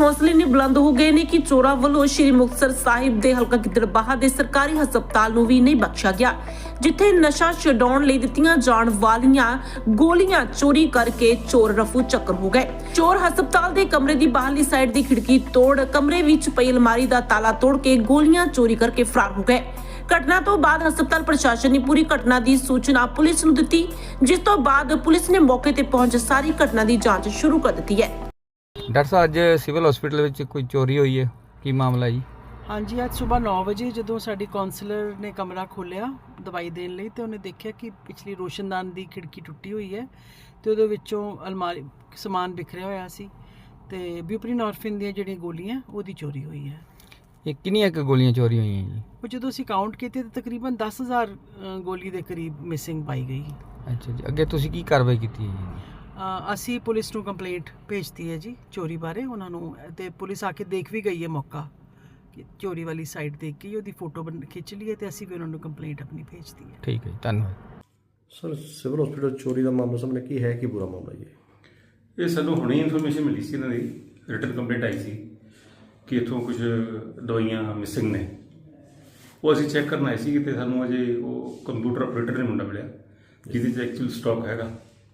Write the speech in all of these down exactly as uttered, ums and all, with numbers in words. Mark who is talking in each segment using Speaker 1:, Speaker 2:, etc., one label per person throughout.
Speaker 1: ਹੌਸਲੇ ਨੇ ਬੁਲੰਦ ਹੋ ਗਏ ਨੇ ਕਿ ਚੋਰਾਂ ਵੱਲੋਂ ਸ਼੍ਰੀ ਮੁਕਤਸਰ ਸਾਹਿਬ ਦੇ ਹਲਕਾ ਗਿੱਦੜਬਾਹਾ ਦੇ ਸਰਕਾਰੀ ਹਸਪਤਾਲ ਨੂੰ ਵੀ ਨਹੀਂ ਬਖਸ਼ਿਆ ਗਿਆ, ਜਿੱਥੇ ਨਸ਼ਾ ਛਡਾਉਣ ਲਈ ਦਿੱਤੀਆਂ ਜਾਣ ਵਾਲੀਆਂ ਗੋਲੀਆਂ ਚੋਰੀ ਕਰਕੇ ਚੋਰ ਰਫੂ ਚੱਕਰ ਹੋ ਗਏ। ਚੋਰ ਹਸਪਤਾਲ ਦੇ ਕਮਰੇ ਦੀ ਬਾਹਰਲੀ ਸਾਈਡ ਦੀ ਖਿੜਕੀ ਤੋੜ ਕਮਰੇ ਵਿੱਚ ਪਈ ਅਲਮਾਰੀ ਦਾ ਤਾਲਾ ਤੋੜ ਕੇ ਗੋਲੀਆਂ ਚੋਰੀ ਕਰਕੇ ਫਰਾਰ ਹੋ ਗਏ। ਘਟਨਾ ਤੋਂ ਬਾਅਦ ਹਸਪਤਾਲ ਪ੍ਰਸ਼ਾਸਨ ਨੇ ਪੂਰੀ ਘਟਨਾ ਦੀ ਸੂਚਨਾ ਪੁਲਿਸ ਨੂੰ ਦਿੱਤੀ, ਜਿਸ ਤੋਂ ਬਾਅਦ ਪੁਲਿਸ ਨੇ ਮੌਕੇ ਤੇ ਪਹੁੰਚ ਸਾਰੀ ਘਟਨਾ ਦੀ ਜਾਂਚ ਸ਼ੁਰੂ ਕਰ ਦਿੱਤੀ ਹੈ।
Speaker 2: ਡਾਕਟਰ ਸਾਹਿਬ ਅੱਜ ਸਿਵਲ ਹਸਪੀਟਲ ਵਿੱਚ ਕੋਈ ਚੋਰੀ ਹੋਈ ਹੈ, ਕੀ ਮਾਮਲਾ ਜੀ?
Speaker 3: ਹਾਂਜੀ, ਅੱਜ ਸਵੇਰ ਨੌ ਵਜੇ ਜਦੋਂ ਸਾਡੀ ਕਾਉਂਸਲਰ ਨੇ ਕਮਰਾ ਖੋਲ੍ਹਿਆ ਦਵਾਈ ਦੇਣ ਲਈ ਤੇ ਉਹਨੇ ਦੇਖਿਆ ਕਿ ਪਿਛਲੀ ਰੋਸ਼ਨਦਾਨ ਦੀ ਖਿੜਕੀ ਟੁੱਟੀ ਹੋਈ ਹੈ ਤੇ ਉਹਦੇ ਵਿੱਚੋਂ ਅਲਮਾਰੀ ਸਮਾਨ ਬਿਖਰਿਆ ਹੋਇਆ ਸੀ ਤੇ ਬਿਊਪਰੀਨੋਰਫਿਨ ਦੀਆਂ ਜਿਹੜੀਆਂ ਗੋਲੀਆਂ ਉਹਦੀ ਚੋਰੀ ਹੋਈ ਹੈ।
Speaker 2: ਇਹ ਕਿੰਨੀਆਂ ਕੁ ਗੋਲੀਆਂ ਚੋਰੀ ਹੋਈਆਂ ਜੀ?
Speaker 3: ਉਹ ਜਦੋਂ ਅਸੀਂ ਕਾਊਂਟ ਕੀਤੇ ਤਾਂ ਤਕਰੀਬਨ ਦਸ ਹਜ਼ਾਰ ਗੋਲੀ ਦੇ ਕਰੀਬ ਮਿਸਿੰਗ ਪਾਈ ਗਈ।
Speaker 2: ਅੱਛਾ ਜੀ, ਅੱਗੇ ਤੁਸੀਂ ਕੀ ਕਾਰਵਾਈ ਕੀਤੀ ਹੈ ਜੀ?
Speaker 3: ਅ, ਅਸੀਂ ਪੁਲਿਸ ਨੂੰ ਕੰਪਲੇਂਟ ਭੇਜਤੀ ਹੈ ਜੀ ਚੋਰੀ ਬਾਰੇ ਉਹਨਾਂ ਨੂੰ, ਤੇ ਪੁਲਿਸ ਆ ਕੇ ਦੇਖ ਵੀ ਗਈ ਹੈ ਮੌਕਾ ਕਿ ਚੋਰੀ ਵਾਲੀ ਸਾਈਡ ਦੇਖ ਕੇ ਉਹਦੀ ਫੋਟੋ ਬਣ ਖਿੱਚ ਲਈ ਹੈ ਤੇ ਅਸੀਂ ਵੀ ਉਹਨਾਂ ਨੂੰ ਕੰਪਲੇਂਟ ਆਪਣੀ ਭੇਜਤੀ ਹੈ।
Speaker 2: ਠੀਕ ਹੈ ਜੀ, ਧੰਨਵਾਦ।
Speaker 4: ਸਰ, ਸਿਵਲ ਹਸਪੀਟਲ ਚੋਰੀ ਦਾ ਮਾਮਲਾ ਸਾਹਮਣੇ ਕੀ ਹੈ, ਕੀ ਪੂਰਾ ਮਾਮਲਾ ਜੀ?
Speaker 5: ਇਹ ਸਾਨੂੰ ਹੁਣੇ ਇਨਫੋਰਮੇਸ਼ਨ ਮਿਲੀ ਸੀ, ਇਹਨਾਂ ਦੀ ਰਿਟਨ ਕੰਪਲੇਂਟ ਆਈ ਸੀ ਕਿ ਇੱਥੋਂ ਕੁਝ ਦਵਾਈਆਂ ਮਿਸਿੰਗ ਨੇ। ਉਹ ਅਸੀਂ ਚੈੱਕ ਕਰਨ ਆਏ ਸੀ ਤੇ ਸਾਨੂੰ ਅਜੇ ਉਹ ਕੰਪਿਊਟਰ ਆਪਰੇਟਰ ਨੇ ਮੁੰਡਾ ਮਿਲਿਆ ਜਿਹਦੇ 'ਚ ਐਕਚੁਅਲ ਸਟਾਕ ਹੈਗਾ।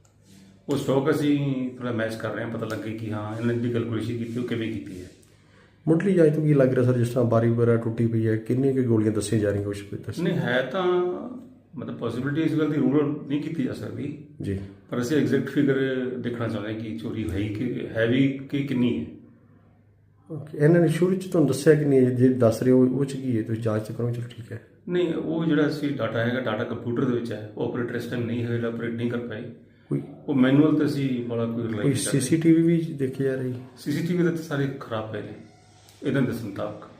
Speaker 5: ਉਹ ਸਟਾਕ ਅਸੀਂ ਥੋੜ੍ਹਾ ਮੈਚ ਕਰ ਰਹੇ ਹਾਂ, ਪਤਾ ਲੱਗੇ ਕਿ ਹਾਂ ਇਹਨਾਂ ਦੀ ਕੈਲਕੂਲੇਸ਼ਨ ਕੀਤੀ ਉਹ ਕਿਵੇਂ ਕੀਤੀ ਹੈ।
Speaker 4: ਮੁੱਢਲੀ ਜਾਂਚ ਤੋਂ ਕੀ ਲੱਗ ਰਿਹਾ ਸਰ, ਜਿਸ ਤਰ੍ਹਾਂ ਬਾਰੀ ਵਗੈਰਾ ਟੁੱਟੀ ਪਈ ਹੈ, ਕਿੰਨੀਆਂ ਕੁ ਗੋਲੀਆਂ ਦੱਸੀਆਂ ਜਾ ਰਹੀਆਂ ਕੁਛ?
Speaker 5: ਨਹੀਂ ਹੈ ਤਾਂ ਮਤਲਬ ਪੋਸੀਬਿਲਿਟੀ ਇਸ ਗੱਲ ਦੀ ਰੂਲ ਨਹੀਂ ਕੀਤੀ ਜਾ ਸਕਦੀ
Speaker 4: ਜੀ,
Speaker 5: ਪਰ ਅਸੀਂ ਐਗਜ਼ੈਕਟ ਫਿਗਰ ਦੇਖਣਾ ਚਾਹੁੰਦੇ ਹਾਂ ਕਿ ਚੋਰੀ ਹੈ ਕਿ ਹੈ ਵੀ ਕਿ ਕਿੰਨੀ ਹੈ।
Speaker 4: ਓਕੇ, ਇਹਨਾਂ ਨੇ ਸ਼ੁਰੂ 'ਚ ਤੁਹਾਨੂੰ ਦੱਸਿਆ ਕਿ ਨਹੀਂ, ਜੇ ਦੱਸ ਰਹੇ ਹੋ ਉਹ 'ਚ ਕੀ ਹੈ, ਤੁਸੀਂ ਜਾਂਚ ਤਾਂ ਕਰੋ। ਚਲੋ ਠੀਕ ਹੈ।
Speaker 5: ਨਹੀਂ, ਉਹ ਜਿਹੜਾ ਸੀ ਡਾਟਾ ਹੈਗਾ ਡਾਟਾ ਕੰਪਿਊਟਰ ਦੇ ਵਿੱਚ ਹੈ, ਉਹ ਆਪਰੇਟਰ ਇਸ ਟਾਈਮ ਨਹੀਂ ਹੈ ਜਿਹੜਾ ਆਪਰੇਟ ਨਹੀਂ ਕਰ ਪਾਏ।
Speaker 4: ਕੋਈ
Speaker 5: ਉਹ ਮੈਨੂਅਲ ਤੇ ਅਸੀਂ ਬੜਾ ਕੋਈ
Speaker 4: ਕੋਈ ਸੀ ਸੀ ਟੀ ਵੀ ਵੀ ਦੇਖੀ ਜਾ ਰਹੀ?
Speaker 5: ਸੀ ਸੀ ਟੀ ਵੀ ਦੇ ਸਾਰੇ ਖਰਾਬ ਪਏ ਨੇ ਇਹਨਾਂ ਦੇ ਮੁਤਾਬਕ।